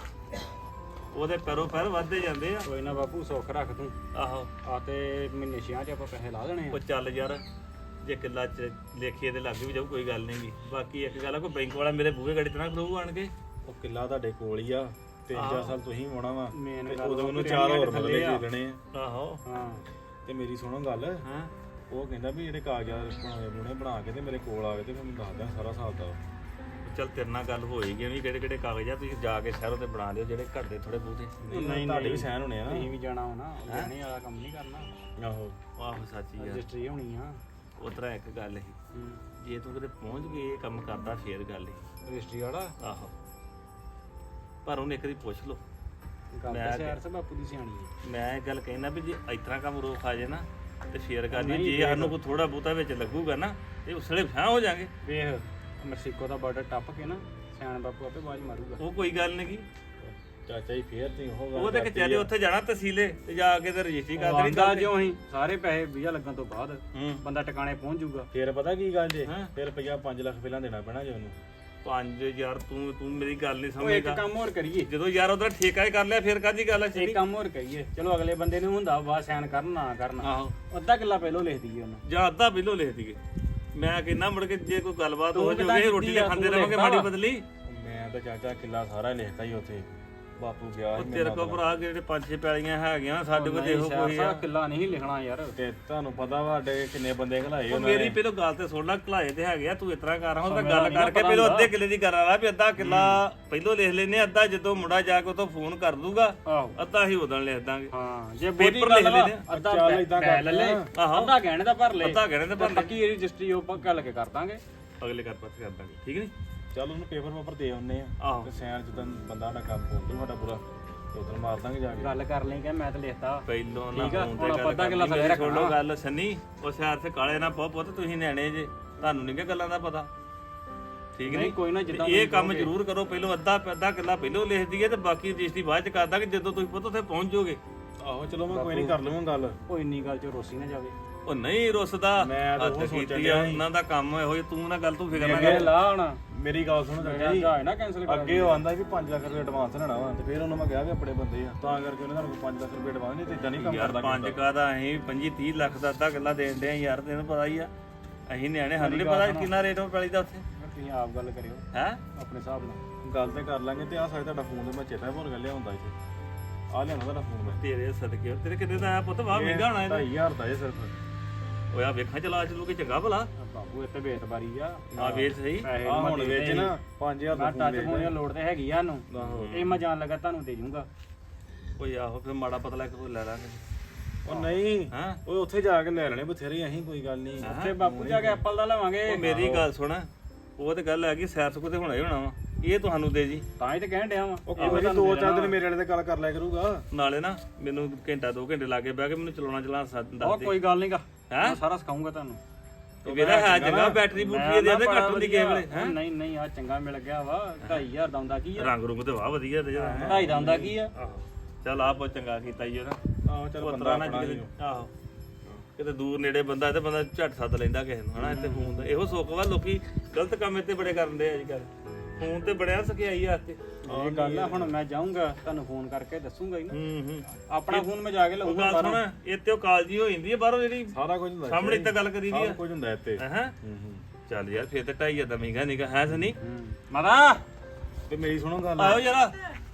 Speaker 2: ਉਹਦੇ ਪੈਰੋਂ ਪੈਰ ਵੱਧਦੇ ਜਾਂਦੇ ਆ।
Speaker 3: ਕੋਈ ਨਾ ਬਾਪੂ ਸੁੱਖ ਰੱਖ ਤੂੰ।
Speaker 2: ਆਹੋ
Speaker 3: ਆ ਤੇ ਮਹੀਨੇ 6 ਚ ਆਪਾਂ ਪੈਸੇ ਲਾ ਦੇਣੇ
Speaker 2: ਉਹ ਚੱਲ ਯਾਰ ਜੇ ਕਿੱਲਾ ਚ ਲੇਖੀਏ ਤੇ ਲੱਗ ਵੀ ਜਾਊ ਕੋਈ ਗੱਲ ਨਹੀਂ ਗੀ। ਬਾਕੀ ਇੱਕ ਗੱਲ ਆ, ਕੋਈ ਬੈਂਕ ਵਾਲਾ ਮੇਰੇ ਬੂਹੇ ਗਾੜੀ ਤੇ ਨਾ ਖਲੋਊ ਆਣ ਕੇ।
Speaker 4: ਉਹ ਕਿੱਲਾ ਤੁਹਾਡੇ ਕੋਲ ਹੀ ਆ। 3-4 ਸਾਲ ਤੁਸੀਂ ਹੋਣਾ ਵਾ।
Speaker 3: ਮੇਨ
Speaker 4: ਤੇ
Speaker 3: ਗੱਲ
Speaker 4: ਉਦੋਂ ਉਹਨੂੰ
Speaker 3: ਉਹ
Speaker 4: 4 ਹੋਰ
Speaker 3: ਥੱਲੇ
Speaker 4: ਮਰਲੇ
Speaker 3: ਆ।
Speaker 4: ਦੇ ਦੇਣੇ ਆ।
Speaker 2: ਆਹੋ
Speaker 3: ਹਾਂ
Speaker 4: ਤੇ ਮੇਰੀ ਸੁਣੋ ਗੱਲ,
Speaker 2: ਹਾਂ
Speaker 4: ਉਹ ਕਹਿੰਦਾ ਵੀ ਜਿਹੜੇ ਕਾਗਜ਼ਾਤ ਬਣਾਉਣੇ ਬਣਾ ਕੇ ਤੇ ਮੇਰੇ ਕੋਲ ਆ ਗਏ ਤੇ ਮੈਨੂੰ ਦੱਸ ਦਿਆਂ ਸਾਰਾ ਹਿਸਾਬ ਦਾ।
Speaker 2: ਚੱਲ ਤੇਰੇ ਨਾਲ ਗੱਲ ਹੋਈ ਗਈ ਵੀ ਕਿਹੜੇ ਕਿਹੜੇ ਕਾਗਜ਼ ਆ, ਤੁਸੀਂ ਜਾ ਕੇ ਸ਼ਹਿਰੋਂ ਤੇ ਬਣਾ ਲਿਓ ਜਿਹੜੇ ਘਰ ਦੇ ਥੋੜੇ ਬਹੁਤੇ।
Speaker 4: ਨਹੀਂ ਤੁਹਾਡੇ ਵੀ ਸਾਈਨ ਹੋਣੇ ਆ।
Speaker 3: ਅਸੀਂ ਵੀ ਜਾਣਾ ਹੋਣਾ, ਜਾਣੇ ਵਾਲਾ ਕੰਮ ਨਹੀਂ ਕਰਨਾ।
Speaker 4: ਆਹੋ
Speaker 2: ਆਹੋ ਸੱਚੀ ਯਾਰ।
Speaker 3: ਰਜਿਸਟਰੀ ਹੋਣੀ ਆ।
Speaker 2: ਉਤਰਾ ਇੱਕ ਗੱਲ ਸੀ, ਜੇ ਤੂੰ ਕਿਤੇ ਪਹੁੰਚ ਗਏ ਇਹ ਕੰਮ ਕਰਦਾ ਫੇਰ ਗੱਲ ਸੀ।
Speaker 3: ਰਜਿਸਟਰੀ ਵਾਲਾ
Speaker 2: ਆਹੋ ਪਰ ਉਹਨੇ ਇੱਕ ਵਾਰੀ ਪੁੱਛ ਲਓ।
Speaker 3: ਗੱਲ ਤਾਂ ਸ਼ਹਿਰ ਸੇ ਬਾਪੂ ਦੀ ਸਿਆਣੀ ਹੈ।
Speaker 2: ਮੈਂ ਇਹ ਗੱਲ ਕਹਿੰਦਾ ਵੀ ਜੇ ਇਤਨਾ ਕੰਮ ਰੋਕ ਆ ਜੇ ਨਾ ਤੇ ਫੇਰ ਕਰ ਲਈ। ਜੇ ਸਾਨੂੰ ਕੋਈ ਥੋੜਾ ਬਹੁਤਾ ਵਿੱਚ ਲੱਗੂਗਾ ਨਾ ਤੇ ਉਸਲੇ ਫਾਂ ਹੋ ਜਾਾਂਗੇ।
Speaker 3: ਵੇਖ ਮੈਕਸੀਕੋ ਦਾ ਬਾਰਡਰ ਟੱਪ ਕੇ ਨਾ ਸਿਆਣ ਬਾਪੂ ਆਪੇ ਬਾਜ ਮਾਰੂਗਾ।
Speaker 2: ਉਹ ਕੋਈ ਗੱਲ ਨਹੀਂ ਗੀ।
Speaker 4: ਚਾਚਾ ਜੀ ਫੇਰ ਤੁਸੀਂ ਉਹ ਗੱਲ
Speaker 2: ਉਹ ਤੇ ਕਚਹਿਰੀ ਉੱਥੇ ਜਾਣਾ ਤਹਿਸੀਲੇ ਤੇ ਜਾ ਕੇ ਤੇ ਰਜਿਸਟਰੀ ਕਰ ਦੇਣੀ।
Speaker 3: ਆਂਦਾ ਜਿਉਂ ਅਸੀਂ ਸਾਰੇ ਪੈਸੇ ਵੀਜ਼ਾ ਲੱਗਣ ਤੋਂ ਬਾਅਦ
Speaker 2: ਹੂੰ
Speaker 3: ਬੰਦਾ ਟਿਕਾਣੇ ਪਹੁੰਚ ਜਾਊਗਾ।
Speaker 4: ਫੇਰ ਪਤਾ ਕੀ ਗੱਲ ਜੇ,
Speaker 2: ਹੈਂ?
Speaker 4: ਫਿਰ ਰੁਪਈਆ 5 ਲੱਖ ਪਹਿਲਾਂ ਦੇਣਾ ਪੈਣਾ ਜੇ ਉਹਨੂੰ।
Speaker 2: 5000 ਤੂੰ ਮੇਰੀ ਗੱਲ ਨਹੀਂ
Speaker 3: ਉਹ ਇੱਕ
Speaker 2: ਸਮਝੇਗਾ।
Speaker 3: ਕੰਮ ਹੋਰ ਕਰੀਏ,
Speaker 2: ਜਦੋਂ ਯਾਰ ਉਹਦਾ ਠੇਕਾ ਹੀ ਕਰ ਲਿਆ ਫੇਰ ਕਾਹਦੀ ਗੱਲ ਹੈ?
Speaker 3: ਇੱਕ ਕੰਮ ਹੋਰ ਕਰੀਏ। ਚਲੋ ਅਗਲੇ ਬੰਦੇ ਨੂੰ ਹੁੰਦਾ ਵਾ ਸਾਈਨ ਕਰਨ ਨਾ ਕਰਨ,
Speaker 2: ਆਹੋ
Speaker 3: ਅੱਧਾ ਕਿੱਲਾ ਪਹਿਲੋਂ ਲਿਖ ਦਈਏ ਉਹਨੂੰ।
Speaker 2: ਜਾਂ ਅੱਧਾ ਬਿੱਲੋ ਲਿਖ ਦਈਏ। ਮੈਂ ਕਹਿੰਦਾ ਮੁੜ ਕੇ ਜੇ ਕੋਈ ਗੱਲਬਾਤ ਹੋ
Speaker 3: ਤੂੰ
Speaker 2: ਜਾਵੇ ਰੋਟੀ
Speaker 3: ਕੀਤੀ
Speaker 2: ਤੇ
Speaker 3: ਆ,
Speaker 2: ਖਾਂਦੇ
Speaker 3: ਤੂੰ
Speaker 2: ਰਵਾਂਗੇ
Speaker 3: ਲਿਖਤਾ
Speaker 2: ਮਾੜੀ
Speaker 3: ਵਾ।
Speaker 2: ਬਦਲੀ।
Speaker 4: ਮੈਂ ਤਾਂ ਚਾਚਾ ਕਿੱਲਾ ਸਾਰਾ ਲਿਖਤਾ ਹੀ ਉੱਥੇ ਬਾਪੂ ਗਿਆ
Speaker 2: ਉਹ
Speaker 4: ਸੀ
Speaker 2: ਤੇਰੇ ਕੋਲ ਭਰਾ ਜਿਹੜੇ 5-6 ਪੈਲੀਆਂ ਹੈਗੀਆਂ ਸਾਡੇ ਕੋਲ ਦੇਖੋ ਕੋਈ ਆ
Speaker 3: ਕਿੱਲਾ ਨਹੀਂ ਲਿਖਣਾ ਯਾਰ
Speaker 4: ਤੇ ਤੁਹਾਨੂੰ ਪਤਾ ਵਾ ਸਾਡੇ ਕਿੰਨੇ ਬੰਦੇ ਘਲਾਏ
Speaker 2: ਉਹ
Speaker 4: ਉਹਨਾਂ
Speaker 2: ਮੇਰੀ ਪਹਿਲਾਂ ਗੱਲ ਤੇ ਸੁਣ ਲੈ ਘਲਾਏ ਤੇ ਹੈਗੇ ਆ ਤੂੰ ਇਸ ਤਰ੍ਹਾਂ ਕਰ ਹੁਣ ਤਾਂ ਗੱਲ ਕਰਕੇ ਪਹਿਲਾਂ ਅੱਧੇ ਕਿੱਲੇ ਦੀ ਕਰ ਆ ਵੀ ਅੱਧਾ ਕਿੱਲਾ ਪਹਿਲਾਂ ਲਿਖ ਲੈਨੇ ਅੱਧਾ ਜਦੋਂ ਮੁੰਡਾ ਜਾ ਕੇ ਉਤੋਂ ਫੋਨ ਕਰ ਦੂਗਾ
Speaker 3: ਆਹੋ
Speaker 2: ਅੱਧਾ ਹੀ ਉਦੋਂ ਲਿਖ ਦਾਂਗੇ
Speaker 3: ਹਾਂ ਜੇ
Speaker 2: ਪੇਪਰ ਲਿਖ ਲੈਨੇ ਆ।
Speaker 3: ਅੱਧਾ
Speaker 4: ਚੱਲ ਏਦਾਂ
Speaker 3: ਲੈ ਲੈ ਲੈ
Speaker 2: ਆਹੋ।
Speaker 3: ਅੱਧਾ ਗਹਿਣੇ ਦਾ ਭਰ ਲੈ
Speaker 2: ਅੱਧਾ ਗਹਿਣੇ ਦਾ ਭਰ ਲੈ।
Speaker 3: ਪੱਕੀ ਰਜਿਸਟਰੀ ਉਹ ਪੱਕਾ ਲੈ ਕੇ ਕਰ ਦਾਂਗੇ
Speaker 2: ਅਗਲੇ ਕਰ ਪੱਤ ਕਰ ਦਾਂਗੇ ਠੀਕ ਨਹੀਂ
Speaker 4: ਚੱਲ ਉਹਨੂੰ ਪੇਪਰ ਦੇ ਆਉਨੇ ਆ
Speaker 2: ਆਹੋ
Speaker 4: ਤੇ ਸੈਨ ਜਦੋਂ ਬੰਦਾ ਸਾਡਾ ਕੰਮ ਬੋਲ ਦੂ ਸਾਡਾ ਪੂਰਾ ਤੇ ਉਧਰ ਮਾਰ ਦਾਂਗੇ ਜਾ ਕੇ
Speaker 3: ਗੱਲ ਕਰ ਲਈ ਕਿ ਮੈਂ ਤਾਂ ਲਿਖਤਾ
Speaker 2: ਪਹਿਲੋਂ ਨਾ
Speaker 3: ਠੀਕ ਆ,
Speaker 2: ਫੋਨ
Speaker 3: ਹੁਣ
Speaker 2: ਤੇ
Speaker 3: ਆਪਾਂ ਅੱਧਾ
Speaker 2: ਗੱਲ
Speaker 3: ਕਿੱਲਾ ਥੱਲੇ
Speaker 2: ਸੁਣ
Speaker 3: ਰੱਖਣਾ।
Speaker 2: ਲਓ ਗੱਲ ਸੰਨੀ ਉਸ ਹੱਥ ਤੇ ਕਾਲੇ ਨਾ ਪਾਓ ਪੁੱਤ ਤੁਸੀਂ ਨਿਆਣੇ ਜੇ ਤੁਹਾਨੂੰ ਨਹੀਂ ਕਿ ਗੱਲਾਂ ਦਾ ਪਤਾ ਠੀਕ
Speaker 3: ਨਹੀਂ
Speaker 2: ਨਹੀਂ
Speaker 3: ਕੋਈ ਨਾ ਜਿੱਦਾਂ
Speaker 2: ਇਹ ਕੰਮ ਜ਼ਰੂਰ ਕਰੋ ਪਹਿਲੋਂ ਅੱਧਾ ਕਿੱਲਾ ਪਹਿਲੋਂ ਲਿਖ ਦਈਏ ਤੇ ਬਾਕੀ ਰਜਿਸਟਰੀ ਬਾਅਦ ਚ ਕਰ ਦਾਂਗੇ ਜਦੋਂ ਤੁਸੀਂ ਪੁੱਤ ਉੱਥੇ ਪਹੁੰਚ ਜਾਓਗੇ
Speaker 4: ਆਹੋ ਚਲੋ ਮੈਂ ਕੋਈ ਨਹੀਂ ਕਰ ਲਵਾਂ ਗੱਲ
Speaker 3: ਉਹ ਇੰਨੀ ਗੱਲ ਚ ਰੋਸੀ ਨਾ ਜਾਵੇ
Speaker 2: ਉਹ ਨਹੀਂ ਰੁੱਸਦਾ
Speaker 4: ਮੈਂ ਤਾਂ ਉਹ
Speaker 2: ਹੱਦ
Speaker 4: ਸੋਚਣ
Speaker 2: ਕੀਤੀ
Speaker 4: ਡਿਆ
Speaker 2: ਆ
Speaker 4: ਸੀ।
Speaker 2: ਉਹਨਾਂ ਦਾ ਕੰਮ ਇਹੋ ਜਿਹਾ ਤੂੰ ਨਾ ਗੱਲ ਤੂੰ ਫਿਕਰ ਨਾ
Speaker 3: ਅੱਗੇ
Speaker 2: ਕਰ
Speaker 3: ਲਾ ਹੁਣ
Speaker 4: ਮੇਰੀ ਗੱਲ ਸੁਣੋ ਚਾਚਾ ਜੀ
Speaker 3: ਜਾ ਨਾ ਕੈਨਸਲ ਕਰ
Speaker 4: ਅੱਗੇ ਉਹ ਆਂਦਾ ਵੀ 5 ਲੱਖ ਰੁਪਏ ਐਡਵਾਂਸ ਲੈਣਾ ਵਾ ਤੇ ਫਿਰ ਉਹਨੂੰ ਮੈਂ ਕਿਹਾ ਵੀ ਆਪਣੇ ਬੰਦੇ ਆ ਤਾਂ ਕਰਕੇ ਉਹਨੇ ਤੁਹਾਨੂੰ 5 ਲੱਖ ਰੁਪਏ ਐਡਵਾਂਸ ਨਹੀਂ ਤੇ ਇਦਾਂ ਨਹੀਂ ਕੰਮ
Speaker 2: ਯਾਰ
Speaker 4: ਕਰਦਾ
Speaker 2: 5 ਕਾ ਦਾ ਅਸੀਂ 25-30 ਲੱਖ ਦਾ ਅੱਧਾ ਕਿੱਲਾ ਦੇਣ ਦੇ ਯਾਰ ਤੈਨੂੰ ਪਤਾ ਹੀ ਆ ਅਸੀਂ ਨਿਆਣੇ ਸਾਨੂੰ ਨਹੀਂ ਪਤਾ ਕਿੰਨਾ ਰੇਟ ਉਹ ਪੈਲੀ ਦਾ ਉੱਥੇ
Speaker 3: ਤੁਸੀਂ ਆਪ ਗੱਲ ਕਰਿਓ
Speaker 2: ਹੈ
Speaker 3: ਆਪਣੇ ਹਿਸਾਬ ਨਾਲ
Speaker 4: ਗੱਲ ਤੇ ਕਰ ਲਾਂਗੇ ਤੇ ਆ ਸਾਡਾ ਤੁਹਾਡਾ ਫੋਨ ਤੇ ਮੈਂ ਚੇਤਾ ਭੁੱਲ ਗਿਆ ਲਿਆਉਂਦਾ ਇੱਥੇ ਆ ਲਿਆਉਣਾ ਤੁਹਾਡਾ ਫੋਨ ਮੈਂ
Speaker 2: ਤੇਰੇ ਸਦਕੇ ਤੇਰੇ ਕਿਤੇ ਦਾ ਆਇਆ ਪੁੱਤ ਵਾਹ ਮਹਿੰਗਾ ਹੋਣਾ ਇਹਦਾ
Speaker 4: 2500 ਦਾ ਇਹ ਸਿਰਫ
Speaker 2: ਓਏ ਆ ਵੇਖਾਂ ਚਲਾ ਚਲੂ ਕੇ ਚੰਗਾ ਭਲਾ
Speaker 3: ਬਾਬੂ ਇੱਥੇ ਬੇਤਬਾਰੀ ਆ
Speaker 2: ਆ ਵੇਚ ਸਹੀ
Speaker 3: ਪੈਸੇ
Speaker 4: ਆ
Speaker 3: ਮੈਂ
Speaker 4: ਹੁਣ
Speaker 3: ਦੇ
Speaker 4: ਵੇਚ
Speaker 3: ਦੇ।
Speaker 4: ਨਾ 5000 ਦਾ
Speaker 3: ਮੈਂ
Speaker 4: ਫੋਨ
Speaker 3: ਟੱਚ
Speaker 4: ਵੇਚ
Speaker 3: ਫੋਨ ਦੀ ਲੋੜ ਤੇ ਹੈਗੀ ਆ ਨੂੰ
Speaker 4: ਆਹੋ।
Speaker 3: ਇਹ ਮੈਂ ਜਾਣ ਲੱਗਾ ਤੁਹਾਨੂੰ ਦੇ ਜੂੰਗਾ
Speaker 2: ਓਏ ਆਹੋ ਫਿਰ ਮਾੜਾ ਪਤਲਾ ਕੋਈ ਲੈ ਲਾਂਗੇ
Speaker 4: ਉਹ ਨਹੀਂ
Speaker 2: ਹਾਂ
Speaker 4: ਓਏ ਉੱਥੇ ਜਾ ਕੇ ਲੈ ਲੈਣੇ ਬਥੇਰੇ ਅਸੀਂ ਕੋਈ ਗੱਲ ਨਹੀਂ
Speaker 3: ਉੱਥੇ ਬਾਪੂ ਜਾ ਕੇ ਐਪਲ ਦਾ ਲਵਾਂਗੇ
Speaker 2: ਉਹ ਮੇਰੀ ਗੱਲ ਸੁਣ ਉਹ ਤੇ ਗੱਲ ਹੈਗੀ ਸੈਰ ਸੁਕੋ ਤੇ ਹੋਣਾ ਹੀ ਹੋਣਾ ਵਾ ਇਹ ਤੁਹਾਨੂੰ ਦੇ ਜੀ
Speaker 3: ਤਾਂ ਹੀ ਤੇ ਕਹਿਣ ਡਿਆ ਵਾਂ
Speaker 4: ਉਹ ਕੋਈ ਨਹੀਂ 2-4 ਦਿਨ ਮੇਰੇ ਵਾਲੇ ਤੇ ਗੱਲ ਕਰ ਲਿਆ ਕਰੂਗਾ
Speaker 2: ਨਾਲੇ ਨਾ ਮੈਨੂੰ ਘੰਟਾ 2 ਘੰਟੇ ਲਾਗੇ ਬਹਿ ਕੇ ਮੈਨੂੰ ਚਲਾਉਣਾ
Speaker 3: ਉਹ
Speaker 2: ਦੱਸ ਦੇ
Speaker 3: ਕੋਈ ਗੱਲ ਨਹੀਂਗਾ
Speaker 2: ਹੈਂ?
Speaker 3: ਮੈਂ ਸਾਰਾ ਸਿਖਾਉਂਗਾ ਤੁਹਾਨੂੰ
Speaker 2: ਤੇ ਮੇਰਾ ਹੈ ਚੰਗਾ ਬੈਟਰੀ ਬੂਟਰੀ ਦੇ ਘੱਟ ਹੁੰਦੀ ਕਿਸੇ ਵੇਲੇ ਹੈ
Speaker 3: ਨਹੀਂ ਨਹੀਂ ਆ ਚੰਗਾ ਮਿਲ ਗਿਆ ਵਾ 2500 ਦਾ ਹੁੰਦਾ ਕੀ ਆ
Speaker 2: ਰੰਗ ਰੁੰਗ ਤੇ ਵਾਹ ਵਧੀਆ ਤੇ ਜਰਾ
Speaker 3: 2.5 ਦਾ ਹੁੰਦਾ ਕੀ ਆ
Speaker 2: ਆਹੋ ਚੱਲ ਆਪ ਚੰਗਾ ਕੀਤਾ ਈ ਉਹਦਾ
Speaker 4: ਆਹੋ ਚੱਲ ਬੰਦਾ
Speaker 2: ਪੁੱਤਰਾ ਨਾ
Speaker 4: ਆਪਣਾ
Speaker 2: ਕਿਤੇ ਆਹੋ ਕਿਤੇ ਦੂਰ ਨੇੜੇ ਬੰਦਾ ਤੇ ਬੰਦਾ ਝੱਟ ਸੱਦ ਲੈਂਦਾ ਕਿਸੇ ਨੂੰ ਹਨਾ ਇੱਥੇ ਫੋਨ ਦਾ ਇਹੋ ਸੁੱਖ ਵਾ ਲੋਕੀ ਗਲਤ ਕੰਮ ਇੱਥੇ ਬੜੇ ਕਰਨ ਦੇ ਅੱਜ ਕੱਲ ਫੋਨ ਤੇ ਬੜਿਆ ਸਕਿਆਈ ਆ ਤੇ
Speaker 3: ਇਹ ਗੱਲ ਆ ਹੁਣ ਮੈਂ ਜਾਊਂਗਾ ਤੁਹਾਨੂੰ ਫੋਨ ਕਰਕੇ ਦੱਸੂਗਾ ਹੀ ਨਾ
Speaker 2: ਹੂੰ
Speaker 3: ਆਪਣਾ ਫੋਨ ਮੈਂ ਜਾ ਕੇ
Speaker 2: ਉਹ
Speaker 3: ਲਊਂਗਾ
Speaker 2: ਗੱਲ ਸੁਣ ਇੱਥੇ ਉਹ ਕਾਲਜੀ ਹੋ ਜਾਂਦੀ ਹੈ ਬਾਹਰੋਂ ਜਿਹੜੀ
Speaker 4: ਸਾਰਾ ਕੁਝ ਹੁੰਦਾ
Speaker 2: ਸਾਹਮਣੇ ਤਾਂ ਗੱਲ ਕਰੀ ਦੀ
Speaker 4: ਸਾਰਾ
Speaker 2: ਆ
Speaker 4: ਕੁਝ ਹੁੰਦਾ ਇੱਥੇ
Speaker 2: ਹੈ ਚੱਲ ਯਾਰ ਫੇਰ ਤੇ 2.5 ਦਾ ਮਹਿੰਗਾ ਨਿਕਾ ਹੈ ਸਨੀ
Speaker 3: ਮਾਤਾ
Speaker 4: ਤੇ ਮੇਰੀ ਸੁਣੋ ਗੱਲ
Speaker 2: ਆਓ ਯਾਰ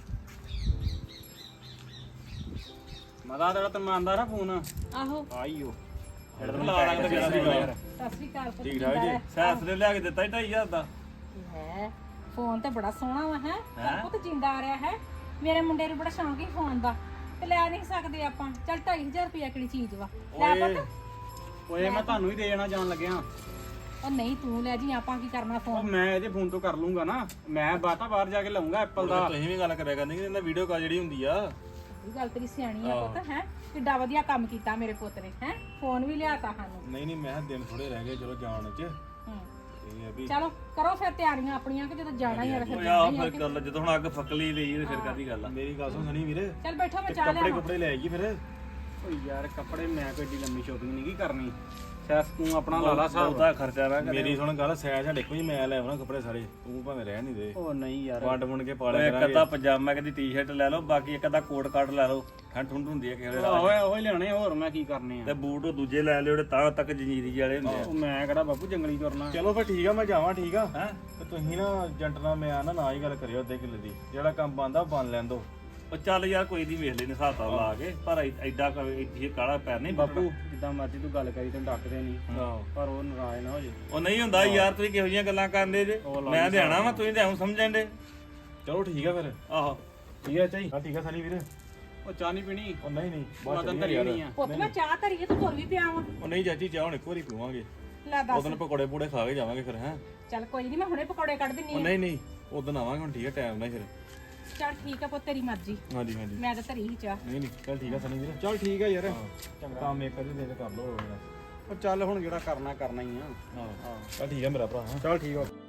Speaker 3: ਮਾਤਾ ਦਾ ਤੈਨੂੰ ਆਂਦਾ ਨਾ ਫੋਨ
Speaker 1: ਆਹੋ
Speaker 3: ਆਈਓ
Speaker 2: ਲਾ ਲਾਂਗੇ ਤੇ ਯਾਰ
Speaker 1: ਸਤਿ ਸ਼੍ਰੀ ਅਕਾਲ ਪੁੱਤ
Speaker 4: ਠੀਕ ਠਾਕ ਜੀ
Speaker 2: ਸੈਸ ਨੇ ਲਿਆ ਕੇ ਦਿੱਤਾ 2.5 ਦਾ
Speaker 1: ਹੈ ਫੋਨ ਤੇ ਬੜਾ ਸੋਹਣਾ ਵਾ ਹੈ ਪਰ ਪੁੱਤ ਜਿੰਦਾ ਆ ਰਿਹਾ ਹੈ ਮੇਰੇ ਮੁੰਡੇ ਨੂੰ ਬੜਾ ਸ਼ੌਂਕ ਹੀ ਫੋਨ ਦਾ ਤੇ ਲੈ ਨਹੀਂ ਸਕਦੇ ਆਪਾਂ ਚੱਲ 2500 ਰੁਪਇਆ ਕਿਹੜੀ ਚੀਜ਼ ਵਾ ਲੈ ਪੁੱਤ
Speaker 3: ਓਏ ਮੈਂ ਤੁਹਾਨੂੰ ਹੀ ਦੇ ਜਾਣਾ ਜਾਣ ਲੱਗਿਆ
Speaker 1: ਉਹ ਨਹੀਂ ਤੂੰ ਲੈ ਜੀ ਆਪਾਂ ਕੀ ਕਰਨਾ
Speaker 3: ਉਹ
Speaker 1: ਫੋਨ
Speaker 3: ਮੈਂ ਇਹਦੇ ਫੋਨ ਤੋਂ ਕਰ ਲੂੰਗਾ ਨਾ ਮੈਂ ਬਾਤਾ ਬਾਹਰ ਜਾ ਕੇ ਲਊਂਗਾ ਐਪਲ ਦਾ
Speaker 4: ਤੁਸੀਂ ਵੀ ਗੱਲ ਕਰਿਆ ਕਰਨੀ ਕਿ ਇਹਨਾਂ ਵੀਡੀਓ ਕਾਲ ਜਿਹੜੀ ਹੁੰਦੀ ਆ
Speaker 1: ਇਹ ਗੱਲ ਤੇਰੀ ਸਿਆਣੀ ਆ ਪੁੱਤ ਹੈ ਕਿੱਡਾ ਵਧੀਆ ਕੰਮ ਕੀਤਾ ਮੇਰੇ ਪੁੱਤ ਨੇ ਹੈ ਫੋਨ ਵੀ ਲਿਆਤਾ ਸਾਨੂੰ
Speaker 4: ਨਹੀਂ ਨਹੀਂ ਮੈਂ ਕਿਹਾ ਦਿਨ ਥੋੜੇ ਰਹਿ ਗਏ ਚਲੋ ਜਾਣ ਚ
Speaker 1: ਹੂੰ
Speaker 4: ਇਹ ਆ ਵੀ
Speaker 1: ਚਲੋ ਕਰੋ ਫਿਰ ਤਿਆਰੀਆਂ ਆਪਣੀਆਂ ਕਿ ਜਦੋਂ ਜਾਣਾ ਹੀ ਆ ਫਿਰ
Speaker 2: ਓਏ
Speaker 1: ਜਾਣਾ
Speaker 2: ਆਹ
Speaker 1: ਹੀ ਆ
Speaker 2: ਫਿਰ ਗੱਲ ਜਦੋਂ ਹੁਣ ਅੱਗ ਫੱਕਲੀ ਲਈ ਤੇ ਫਿਰ ਕਾਦੀ ਗੱਲ ਆ
Speaker 4: ਮੇਰੀ ਗੱਲ ਸੁਣ ਸਣੀ ਵੀਰੇ
Speaker 1: ਚੱਲ ਬੈਠੋ ਮੈਂ ਚਾਹ
Speaker 4: ਕੱਪੜੇ
Speaker 1: ਲਿਆਵਾਂ
Speaker 4: ਕੁਪੜੇ ਲੈ ਆਈਏ ਫਿਰ
Speaker 3: ਓਏ ਯਾਰ ਕੱਪੜੇ ਮੈਂ ਕੋਈ ਏਡੀ ਲੰਮੀ ਸ਼ੋਪਿੰਗ ਨਹੀਂ ਕੀ ਕਰਨੀ ਸੈਸ ਤੂੰ ਆਪਣਾ ਲਾ ਲਾ ਹਿਸਾਬ
Speaker 2: ਬਹੁਤਾ ਖਰਚਾ ਨਾ ਕਰੇ
Speaker 4: ਮੇਰੀ ਸੁਣ ਗੱਲ ਸੈਜ ਸਾਡੇ ਕੋਈ ਮੈਂ ਲੈ ਆਉਣਾ ਕੱਪੜੇ ਸਾਰੇ ਤੂੰ ਭਾਵੇਂ ਰਹਿ ਨਹੀਂ ਦੇ
Speaker 3: ਉਹ ਨਹੀਂ ਯਾਰ
Speaker 4: ਵੰਡ ਵੰਡ ਕੇ ਪਾ
Speaker 2: ਓਏ
Speaker 4: ਲਿਆ
Speaker 2: ਇੱਕ ਅੱਧਾ ਪਜਾਮਾ ਕਦੀ ਟੀ-ਸ਼ਰਟ ਲੈ ਲਓ ਬਾਕੀ ਇੱਕ ਅੱਧਾ ਕੋਟ ਕਾਟ ਲੈ ਲਓ ਠੰਡ ਠੁੰਡ ਹੁੰਦੀ ਹੈ ਕਿਸੇ ਵੇਲੇ
Speaker 3: ਓਏ ਓਏ ਲਿਆਣੇ ਹੋਰ ਮੈਂ ਕੀ ਕਰਨੇ ਆ
Speaker 2: ਤੇ ਬੂਟ ਉਹ ਦੂਜੇ ਲੈ ਲਿਓ ਜਿਹੜੇ ਤਾਂ ਤੱਕ ਜੰਜੀਰੀ ਵਾਲੇ ਹੁੰਦੇ ਆ
Speaker 3: ਉਹ ਮੈਂ ਕਿਹੜਾ ਬਾਪੂ ਜੰਗਲੀ ਤੁਰਨਾ
Speaker 4: ਚਲੋ ਫਿਰ ਠੀਕ ਆ ਮੈਂ ਜਾਵਾਂ ਠੀਕ ਆ
Speaker 2: ਹੈ
Speaker 4: ਤੇ ਤੁਸੀਂ ਨਾ ਏਜੰਟ ਨਾਲ ਮੈਂ ਨਾ ਹੀ ਗੱਲ ਕਰਿਓ ਅੱਧੇ ਕਿੱਲੇ ਦੀ ਜਿਹੜਾ ਕੰਮ ਬੰਦਾ ਬੰਨ ਲੈਣ ਦੋ
Speaker 2: ਉਹ ਚੱਲ ਯਾਰ ਕੋਈ ਨਹੀਂ ਵੇਖ ਲੈਨੇ ਹਿਸਾਬ ਤਾਂ ਲਾ ਕੇ ਪਰ ਐਡਾ ਇਹ ਕਾਲਾ ਪੈਰ ਨਹੀਂ
Speaker 3: ਬਾਪੂ ਜਿੱਦਾਂ ਮਰਜ਼ੀ ਤੂੰ ਗੱਲ ਕਰੀ ਤੈਨੂੰ ਡੱਕਦੇ ਨਹੀਂ
Speaker 4: ਆਹੋ
Speaker 3: ਪਰ ਉਹ ਨਾਰਾਜ਼ ਨਾ ਹੋ ਜੇ
Speaker 2: ਉਹ ਨਹੀਂ ਹੁੰਦਾ ਯਾਰ ਤੁਸੀਂ ਕਿਹੋ ਜਿਹੀਆਂ ਗੱਲਾਂ ਕਰਦੇ ਜੇ ਮੈਂ ਦੇਣਾ ਵਾ ਤੁਸੀਂ ਤਾਂ ਐਂ ਸਮਝਣ ਦੇ
Speaker 4: ਚਲੋ ਠੀਕ ਆ ਫਿਰ
Speaker 2: ਆਹੋ
Speaker 4: ਠੀਕ ਆ ਚਾਈ ਹਾਂ ਠੀਕ ਆ ਸਨੀ ਵੀਰੇ
Speaker 3: ਉਹ ਚਾਹ ਨਹੀਂ ਪੀਣੀ
Speaker 4: ਉਹ ਨਹੀਂ ਨਹੀਂ
Speaker 3: ਉਹ
Speaker 4: ਬਾਅਦ
Speaker 3: ਤਾਂ
Speaker 4: ਚ
Speaker 3: ਧਰੀ
Speaker 4: ਯਾਰ
Speaker 3: ਨਹੀਂ ਆ
Speaker 1: ਪੁੱਤ ਮੈਂ ਚਾਹ ਧਰੀਏ ਤੂੰ ਤੁਰ ਵੀ ਪਿਆ ਵਾ
Speaker 4: ਉਹ ਨਹੀਂ ਚਾਚੀ ਚਾਹ ਹੁਣ ਇੱਕ ਵਾਰੀ ਪੀਵਾਂਗੇ
Speaker 1: ਲੈ ਦੱਸ
Speaker 4: ਉਦੋਂ ਪਕੌੜੇ ਪੂੜੇ ਖਾ ਕੇ ਜਾਵਾਂਗੇ ਫਿਰ ਹੈਂ
Speaker 1: ਚੱਲ ਕੋਈ ਨਹੀਂ ਮੈਂ ਹੁਣੇ ਪਕੌੜੇ ਕੱਢ ਦਿੰਨੀ
Speaker 4: ਉਹ
Speaker 1: ਆ
Speaker 4: ਨਹੀਂ ਨਹੀਂ ਉਦੋਂ ਆਵਾਂਗੇ ਹੁਣ ਠੀਕ ਆ ਟਾਈਮ ਨਾਲ ਫਿਰ
Speaker 1: ਚੱਲ ਠੀਕ ਆ ਪੁੱਤ ਤੇਰੀ ਮਰਜ਼ੀ
Speaker 4: ਹਾਂਜੀ ਹਾਂਜੀ
Speaker 1: ਮੈਂ ਤਾਂ ਧਰੀ ਹੀ ਚਾਹ
Speaker 4: ਨਹੀਂ ਨਹੀਂ ਚੱਲ ਠੀਕ ਆ ਸਨੀ ਵੀਰੇ
Speaker 3: ਚਲ ਠੀਕ ਆ ਯਾਰ
Speaker 4: ਚੰਗਾ ਕੰਮ ਇੱਕ ਵਾਰੀ ਦੇ ਕੇ ਕਰ ਲਓ
Speaker 3: ਉਹ ਚੱਲ ਹੁਣ ਜਿਹੜਾ ਕਰਨਾ ਕਰਨਾ ਹੀ ਆ
Speaker 4: ਹਾਂ ਚੱਲ ਠੀਕ ਆ ਮੇਰਾ ਭਰਾ
Speaker 3: ਚਲ ਠੀਕ ਆ